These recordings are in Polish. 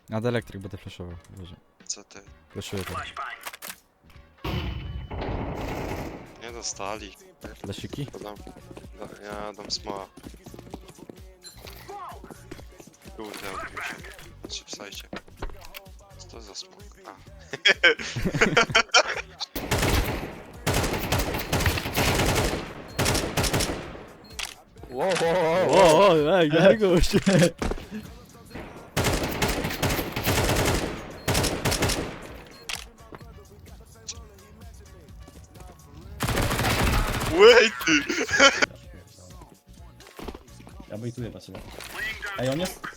Nad elektryk będę flashował. Boże. Co ty? Flashuję to. Nie dostali. Flasiki? Ja dam smoła. Kurde, odbił się. Patrzcie w sajcie. Co to za smok? A. Ej, Grzegorz! Wait ty! Ja bejtuję dla ciebie. Ej, on jest?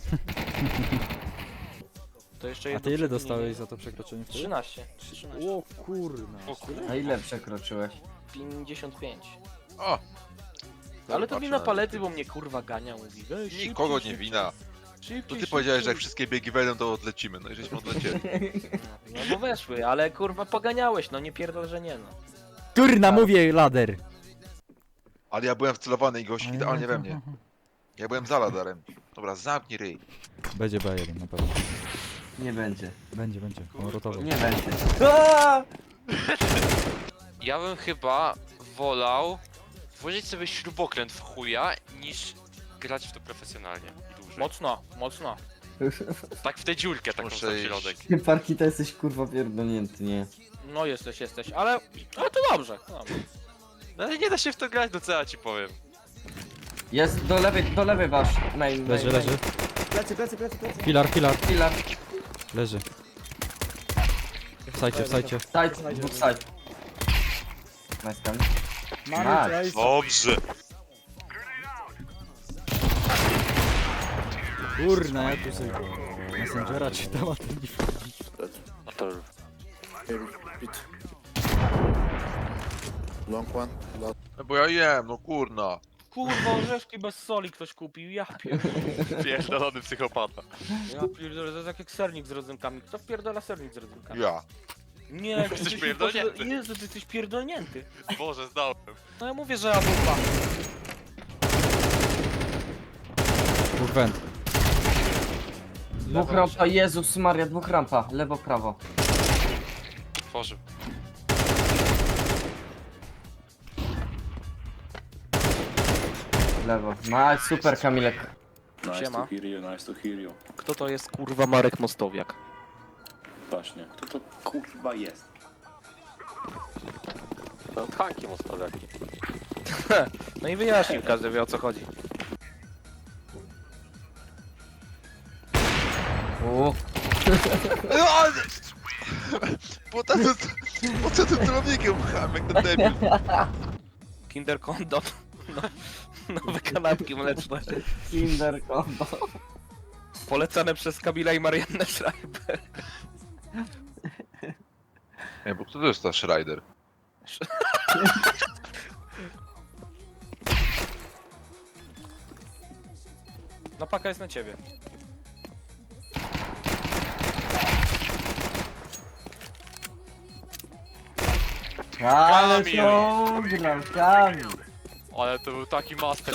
To jeszcze A jedno ty ile przewinienie. dostałeś za to przekroczenie wtedy? 13. 13. O kurna. O kurde. A ile przekroczyłeś? 55. O! Ale to wina palety, bo mnie kurwa gania, mówi. Weź, Nikogo szybciej, nie wina. szybciej, To ty szybciej. powiedziałeś, że jak wszystkie biegi wejdą, to odlecimy. No i żeśmy odlecieli. No bo weszły, ale kurwa poganiałeś, no nie pierdol, że nie no. Kurna, mówię lader! Ale ja byłem wcelowany i gość idealnie we mnie. Ja byłem za ladarem. Dobra, zamknij ryj. Będzie B1 na pewno. Nie będzie. Będzie. On rotował. Nie będzie. Ja bym chyba wolał włożyć sobie śrubokręt w chuja, niż grać w to profesjonalnie i dłużej. Mocno, mocno. Tak w tę dziurkę taką Muszę za iść. środek. Parki to jesteś kurwa pierdolnięty, nie? No jesteś, ale to dobrze. No ale nie da się w to grać, no co ja ci powiem. Jest do lewej wasz main. Leży. Plecy, plecy, plecy, plecy. Filar. Filar. Leży. W sajcie. Side, dwóch side. Nice gun. Mamy Nice. Dobrze. Kurna, ja tu sobie Messengera czytam, a ty nie wchodzisz. No to Long one. No bo ja jem, no kurna. Kurwa, orzeszki bez soli ktoś kupił, ja pierdolę. pierdolony psychopata. Ja pierdolę, to jest jak sernik z rodzynkami. Kto wpierdala sernik z rodzynkami? Ja. Nie, Jesteś ty pierdolnięty. Jezu, ty jesteś pierdolnięty. Boże, zdałem. No ja mówię, że ja bufa. Dwóch węd. Dwóch rampa, Jezus Maria, dwóch rampa. Lewo, prawo. Tworzył. Lewo. Nice, super Kamilek. Siema. Nice to hear you. Kto to jest kurwa Marek Mostowiak? Właśnie. Kto to kurwa jest? To tanki mostowiaki. No i wyjaśnił, każdy wie o co chodzi. Po co tym celownikiem pchałem, jak ten debil? Kinder Condom. No, nowe kanapki mleczne. Kinder combo. Polecane przez Kamila i Mariannę Schreiber. Nie, bo kto to jest ta Schreider? No paka jest na ciebie. Ale Kamil. to gram, Kamil. Ale to był taki master.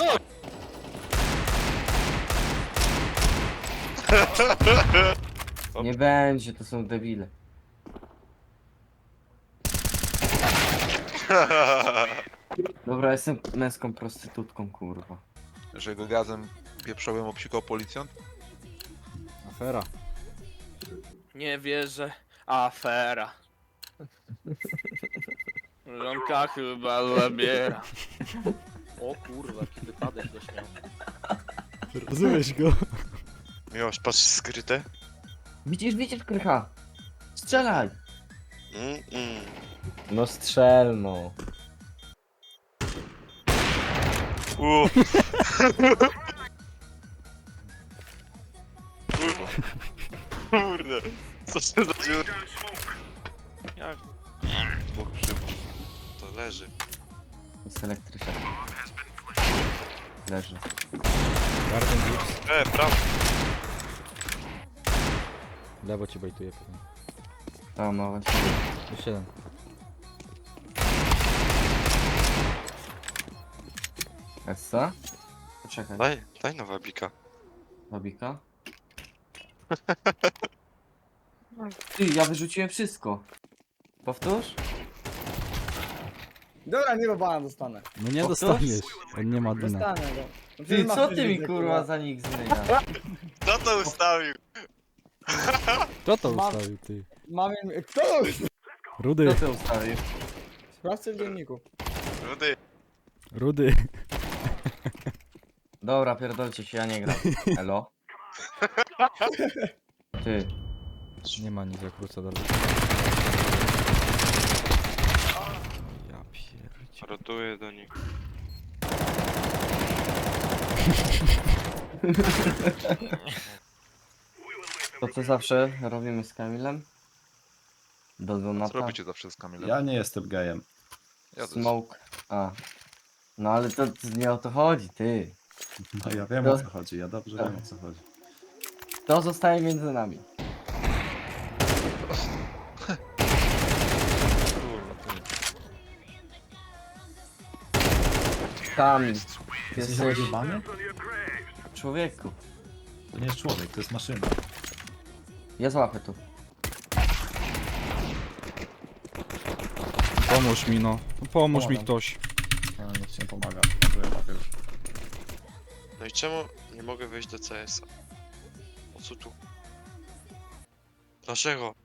Nie będzie, to są debile. Dobra, jestem męską prostytutką, kurwa. Że go gazem pieprzowym obsikał policjant? Afera. Nie wierzę. Afera. Żonka chyba zabiera. O kurwa, jaki wypadek też miał. Rozumiesz go? Miłość, patrz skryte. Widzisz, krycha. Strzelaj. Mm. No strzel, no. Kurde. Co to za dziura? Jak? Dwóch szybów. To leży. Jest elektryczny. Leży. Garden Gibbs. Prawo. Lewo ci bajtuje pewnie. O, no właśnie. Jeszcze jeden. Essa? Poczekaj. Daj nowa bika. Babika. Ty, ja wyrzuciłem wszystko. Powtórz? Dobra, nie bana dostanę. No nie Powtórz? dostaniesz. On nie ma dyna. Dostanę go. No Ty, przecież co masz ty mi widzę, kurwa za nick zmieniasz? Kto to ustawił? Kto to Mam- ustawił, ty? Mamy... Kto to już? Rudy, Kto to ustawił? Sprawdźcie w dzienniku. Rudy. Rudy. Dobra, pierdolcie się, ja nie gram. Elo? Ty, Nie ma nic, jak wrócę dalej. Ja pierdzie. Rotuję do nich. to co zawsze robimy z Kamilem? Do Co Donata. robicie zawsze z Kamilem? Ja nie jestem gejem. Ja też. Smoke. A. No ale to nie o to chodzi, ty. No ja wiem o co chodzi, ja dobrze wiem o co chodzi. To zostaje między nami. Kamil. Ty Jesteś jesteś odjebany? człowieku. To nie jest człowiek, to jest maszyna. Ja złapię tu. Pomóż mi, no. Pomóż mi Pomagam. ktoś. No, niech się pomaga. Może ja łapię już. No i czemu nie mogę wejść do CS-a? O co tu? Dlaczego?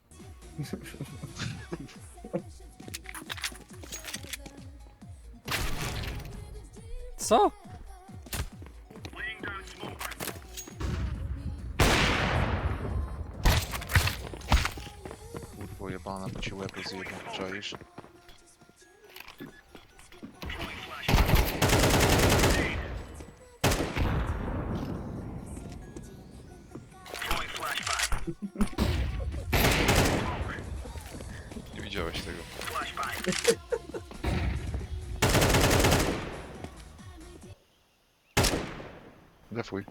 Co? Kurwo jebana, bo ci łeb zjebał, czaisz? Nie widziałeś tego. Defuj.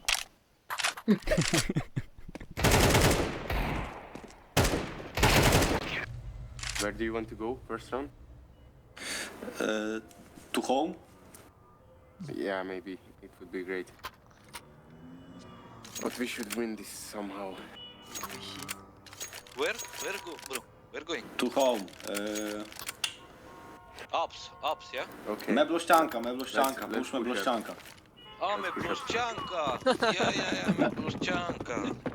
Where do you want to go first round? To home? Yeah, maybe. It would be great. But we should win this somehow. Where go, bro? Where going? To home. Ups, yeah? Okay. Meblościanka, Let's push push meblościanka. A, my pluszczanka! Ja, my pluszczanka!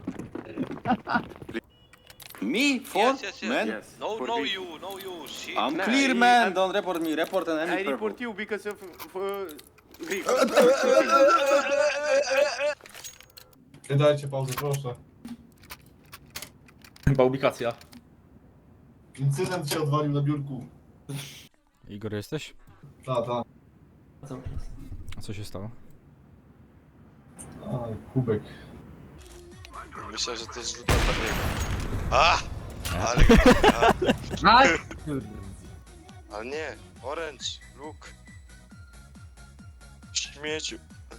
Me? For? Man? Yes. No, for no this. you, shit! I'm Nah, clear I- man, I'm- don't report me, report an I enemy report purple. you because of Greek. Dajcie pauzę, proszę. Chyba ubikacja. Incydent się odwalił na biurku. Igor, jesteś? Ta. A co się stało? A, kubek. Myślę, że to jest źródło pewnego. A! Aj! Ale nie, orange, look. Śmieciu.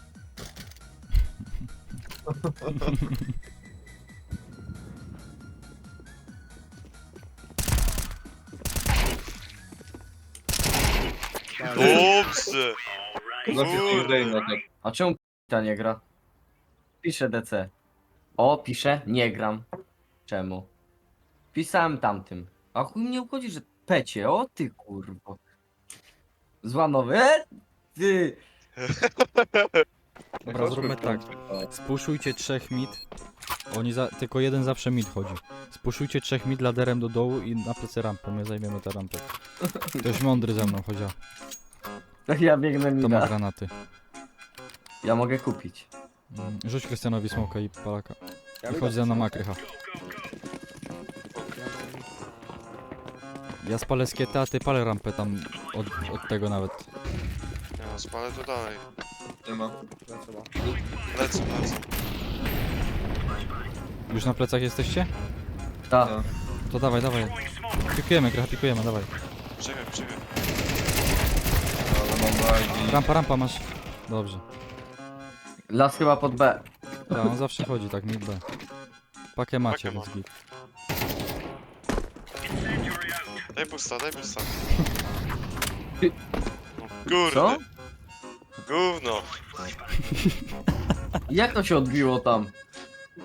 Dobrze! A czemu ta nie gra? Pisze DC. O, pisze, nie gram. Czemu? Pisałem tamtym. A chuj mnie obchodzi, że pecie. O ty kurwo. Złanowy. Ty. Dobra, zróbmy tak. Spuszujcie 3 mid. Tylko jeden zawsze mid chodzi. Spuszujcie 3 mid laderem do dołu i na plecy rampę. My zajmiemy tę rampę. Ktoś mądry ze mną chodzi. Ja biegnę mi To ma granaty. Ja mogę kupić. Rzuć Krystianowi smoka i palaka. I chodź ze mną na krycha. Ja spalę skieta, a ty palę rampę tam od tego nawet. Nie no, spalę to dalej. Nie ma. Lecę. Już na plecach jesteście? Tak. To dawaj. Pikujemy, krycha, pikujemy, dawaj. Czekaj. Rampa masz. Dobrze. Las chyba pod B. Tak, on zawsze chodzi tak, mid B. Pakę macie, Pakę więc git. Daj pusta. Ty- No, kurde. Co? Gówno. Jak to się odbiło tam?